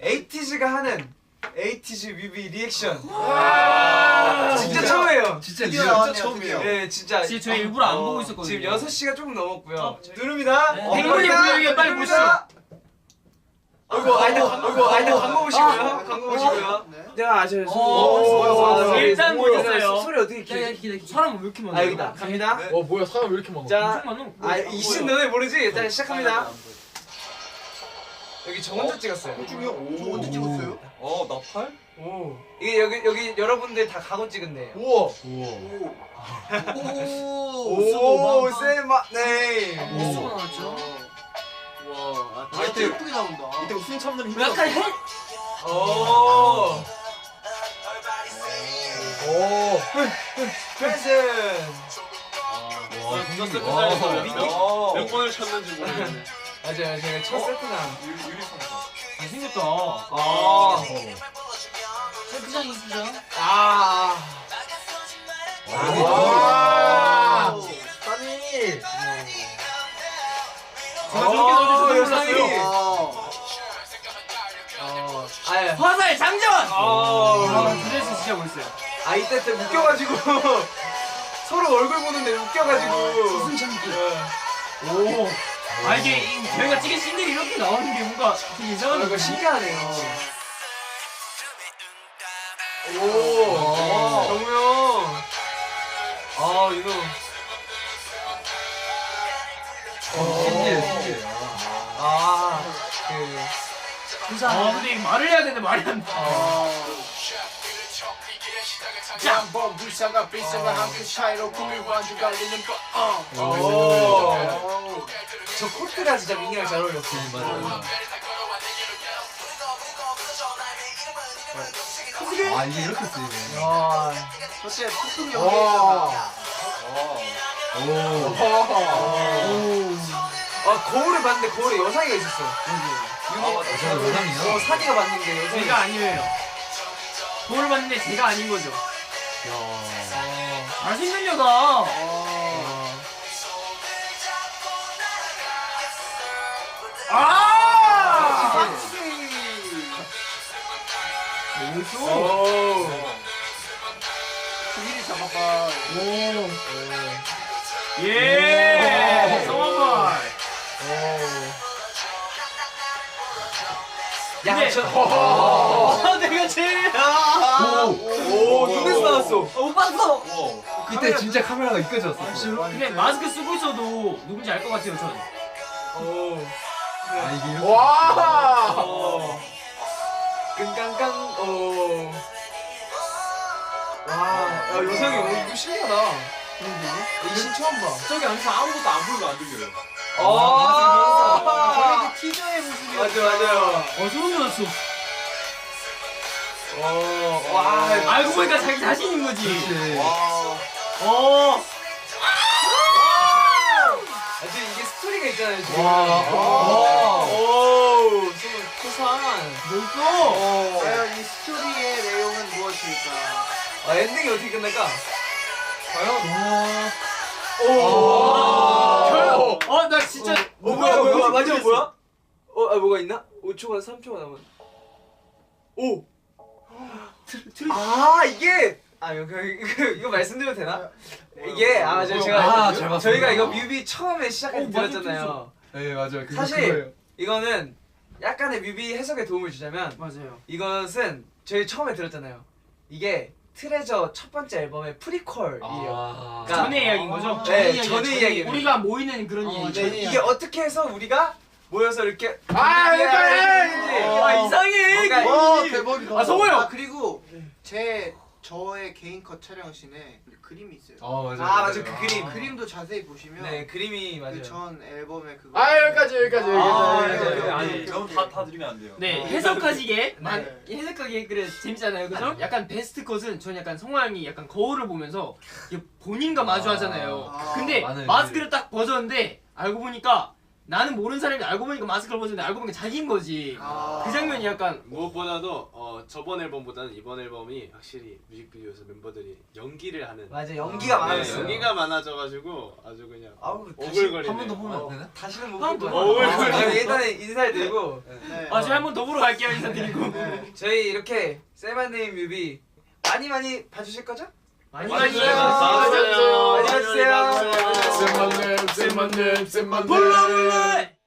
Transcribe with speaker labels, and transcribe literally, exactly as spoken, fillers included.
Speaker 1: 에이티즈가 하는 에이티즈 뮤비 리액션. 진짜, 진짜 처음이에요.
Speaker 2: 진짜 진짜 처음이에요.
Speaker 1: 네, 진짜.
Speaker 3: 진짜 저희 일부러 안 보고 있었거든요.
Speaker 1: 지금 여섯 시가 조금 넘었고요. 누릅니다.
Speaker 3: 댕군이 보여요. 빨리 보시죠.
Speaker 1: 어이구, 아이다, 어이구, 아이다 광고 보시고요. 광고 보시고요. 내가 아셔요.
Speaker 3: 일단 보셨어요.
Speaker 1: 소리 어떻게 이렇게?
Speaker 3: 사람 왜 이렇게 많아?
Speaker 1: 아 여기다. 갑니다.
Speaker 2: 와 뭐야 사람 왜 이렇게 많아?
Speaker 1: 자,
Speaker 3: 많아.
Speaker 1: 아 이신 너네 모르지? 일단 시작합니다. 여기 저 혼자 찍었어요.
Speaker 4: 중요? 저 언제 찍었어요?
Speaker 2: 어 나팔?
Speaker 1: 오. 이게 여기 여기 여러분들 다 가고 찍은데요.
Speaker 2: 우와.
Speaker 4: 오.
Speaker 1: 오, 세마 네.
Speaker 3: 무슨 거 나왔죠?
Speaker 4: 와,
Speaker 2: 아,
Speaker 4: 진짜 예쁘게 나온다.
Speaker 2: 이때 웃음 참는 힘.
Speaker 3: 약간 해.
Speaker 1: 오.
Speaker 2: 오.
Speaker 1: 프레젠.
Speaker 2: 와 진짜 세트
Speaker 1: 와.
Speaker 2: 잘했어. 몇 번을 쳤는지 모르겠네.
Speaker 1: 맞아요, 제가 첫 세트나.
Speaker 2: 유리선다.
Speaker 3: 잘생겼다.
Speaker 1: 아.
Speaker 3: 세트장 이쁘죠?
Speaker 1: 아.
Speaker 2: 와.
Speaker 4: 아니.
Speaker 3: 제가 저렇게 넣어줘서
Speaker 1: 영상이.
Speaker 4: 아.
Speaker 1: 아, 예.
Speaker 3: 화살 장전!
Speaker 1: 아.
Speaker 3: 아, 드레스 진짜 멋있어요.
Speaker 1: 아 이때 때 웃겨가지고 서로 얼굴 보는데 웃겨가지고.
Speaker 3: 웃음 참기. 오. 아 이게 이- 저희가 찍은 씬들이 이렇게 나오는 게 뭔가 되게
Speaker 1: 아,
Speaker 3: 이상한
Speaker 1: 이거
Speaker 3: 거
Speaker 1: 신기하네요. 오,
Speaker 2: 오.
Speaker 1: 정우영. 아, 이거.
Speaker 2: 신기해 신기해.
Speaker 1: 아, 그.
Speaker 3: 아 근데 이거 말을 해야 되는데 말이 안 돼.
Speaker 4: 자, 뭐 불쌍한 비싼가 한끗 차이로 꿈이 완전 갈리는 거.
Speaker 1: 오. 저 코트가 진짜 민이랑 잘 어울렸어.
Speaker 2: 맞아. 아 이게 이렇게 쓰이네.
Speaker 1: 와.
Speaker 4: 그때 폭풍
Speaker 1: 와.
Speaker 4: 연기했잖아.
Speaker 2: 오.
Speaker 1: 아, 거울을 봤는데 거울에 여상이가 있었어.
Speaker 2: 아, 저거 여상이야?
Speaker 1: 어, 산이가 봤는데 여상이.
Speaker 3: 제가 아니에요. 돌을 봤는데 제가 아닌 거죠.
Speaker 1: 어.
Speaker 3: 잘생긴 여자. 아!
Speaker 1: 오.
Speaker 4: 미리 잡아봐.
Speaker 3: 예. 성화발.
Speaker 1: 야,
Speaker 3: 근데-
Speaker 1: 저. 아, 내가 제일이야. 오, 눈에서 나왔어.
Speaker 3: 못 봤어.
Speaker 2: 그때 진짜 카메라가 이끌졌어.
Speaker 3: 근데 마스크 쓰고 있어도 누군지 알 것 같아요, 전.
Speaker 1: 오.
Speaker 2: 아 이게 이렇게.
Speaker 4: 와.
Speaker 1: 어. 끈깡깡. 오. 와, 야, 요상이 어, 이거 신기하다. 이신 처음 봐.
Speaker 2: 저기 앉아서 아무것도 안 보이고 안 들려요.
Speaker 1: 아.
Speaker 4: 저희도 티저의 모습이.
Speaker 1: 맞아, 맞아요.
Speaker 3: 어, 소름 돋았어.
Speaker 1: 어, 와.
Speaker 3: 알고 보니까 자기 자신인 거지.
Speaker 2: 그렇지.
Speaker 4: 와.
Speaker 3: 어.
Speaker 1: 아, 지금 이게 스토리가 있잖아요, 지금.
Speaker 2: 와.
Speaker 1: 와. 오, 정말 코산.
Speaker 3: 멋있어.
Speaker 4: 과연 이 스토리의 내용은 무엇일까?
Speaker 1: 아, 엔딩이 어떻게 끝날까?
Speaker 2: 과연?
Speaker 1: 오.
Speaker 3: 결. 어, 나 진짜.
Speaker 1: 어, 뭐야, 뭐야, 뭐야, 마지막 뭐야? 어, 아, 뭐가 있나? 오 초가 삼 초가 남은. 오. 아, 이게 아, 이거 이거, 이거 말씀드려도 되나? 이게 아, 저, 제가
Speaker 2: 아, 잘 봤습니다.
Speaker 1: 저희가 이거 뮤비 처음에 시작할 때
Speaker 3: 어, 맞아,
Speaker 1: 들었잖아요.
Speaker 2: 네 맞아요. 그거
Speaker 1: 사실
Speaker 2: 그거예요.
Speaker 1: 이거는 약간의 뮤비 해석에 도움을 주자면
Speaker 3: 맞아요.
Speaker 1: 이것은 저희 처음에 들었잖아요. 이게 트레저 첫 번째 앨범의 프리퀄이에요.
Speaker 2: 아.
Speaker 1: 그러니까-
Speaker 3: 전의 이야기인 거죠?
Speaker 1: 네, 전의 이야기예요.
Speaker 3: 우리가 모이는 그런
Speaker 4: 어,
Speaker 3: 얘기.
Speaker 1: 네, 이게 어떻게 해서 우리가 모여서 이렇게
Speaker 4: 아,
Speaker 1: 이렇게
Speaker 4: 이거
Speaker 1: 아, 이상해.
Speaker 3: 뭔가
Speaker 4: 와,
Speaker 3: 이-
Speaker 4: 대박이다.
Speaker 3: 아, 성호야.
Speaker 4: 아, 그리고 제 저의 개인 컷 촬영씬에 그림이 있어요.
Speaker 2: 아 맞아요.
Speaker 1: 아, 맞아, 그 그림.
Speaker 4: 그림도 자세히 보시면
Speaker 1: 네, 그림이 맞아요.
Speaker 4: 그 전 앨범에 그거.
Speaker 2: 아 여기까지 여기까지
Speaker 1: 아,
Speaker 2: 여기까지.
Speaker 1: 네, 네,
Speaker 2: 아니
Speaker 4: 너무
Speaker 2: 다 다 드리면 안 돼요.
Speaker 3: 네, 해석하시게.
Speaker 1: 네.
Speaker 3: 아, 해석하기에 그래 재밌잖아요, 그죠? 약간 베스트 컷은 전 약간 성화 형이 약간 거울을 보면서 이게 본인과 마주하잖아요.
Speaker 4: 아,
Speaker 3: 근데
Speaker 2: 많은
Speaker 3: 마스크를 딱 벗었는데 알고 보니까 나는 모르는 사람이 알고 보니까 마스크를 벗었는데 알고 보니까 자기인 거지.
Speaker 4: 아.
Speaker 3: 그 장면이 약간
Speaker 5: 무엇보다도 어, 어, 저번 앨범보다는 이번 앨범이 확실히 뮤직비디오에서 멤버들이 연기를 하는
Speaker 1: 맞아 연기가
Speaker 5: 네,
Speaker 1: 많았어요.
Speaker 5: 연기가 많아져가지고 아주 그냥
Speaker 1: 아우
Speaker 5: 오글거리네.
Speaker 2: 한 번 더 보면 안 되나?
Speaker 1: 다시는 못
Speaker 3: 한번
Speaker 1: 볼
Speaker 3: 더
Speaker 1: 거야.
Speaker 5: 어, 왜,
Speaker 1: 아, 일단은 인사를 드리고
Speaker 4: 네.
Speaker 3: 아 저희 한번 더 보러 갈게요 인사드리고.
Speaker 1: 저희 이렇게 세븐데이 뮤비 많이 많이 봐주실 거죠?
Speaker 3: 많이
Speaker 1: 많이
Speaker 3: 봐주세요.
Speaker 1: 봐주세요. 많이 봐주세요.
Speaker 2: 쌤만님 쌤만님 쌤만님
Speaker 3: 불러 불러.